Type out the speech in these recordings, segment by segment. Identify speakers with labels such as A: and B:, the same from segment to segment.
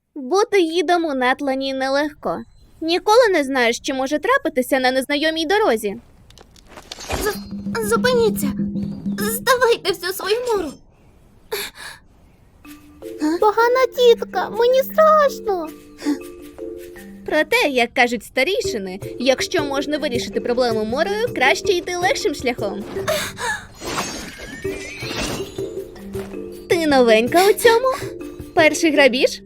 A: Бути гідом у Нетлані нелегко. Ніколи не знаєш, що може трапитися на незнайомій дорозі.
B: Зупиніться! Здавайте всю свою мору!
A: Погана тітка, мені страшно. Проте, як кажуть старішини, якщо можна вирішити проблему морою, краще йти легшим шляхом. Ти новенька у цьому? Перший грабіж?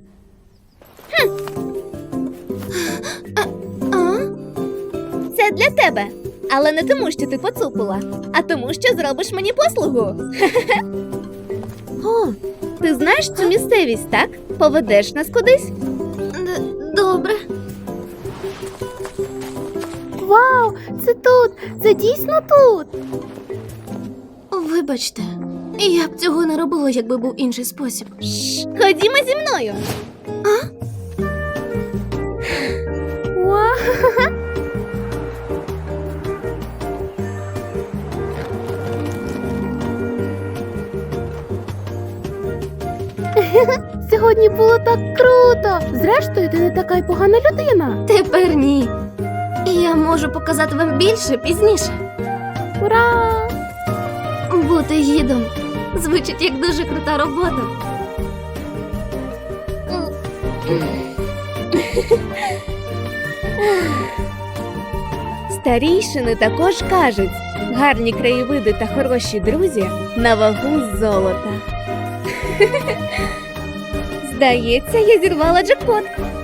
A: Це для тебе. Але не тому, що ти поцупила, а тому, що зробиш мені послугу. О, ти знаєш цю місцевість, так? Поведеш нас кудись?
B: Добре.
A: Вау, це тут! Це дійсно тут!
B: Вибачте, я б цього не робила, якби був інший спосіб.
A: Ходімо зі мною. Сьогодні було так круто. Зрештою, ти не така й погана людина.
B: Тепер ні. Я можу показати вам більше пізніше.
A: Ура!
B: Бути гідом звучить як дуже крута робота.
A: Старійшини також кажуть, гарні краєвиди та хороші друзі на вагу золота. Здається, я зірвала джекпот.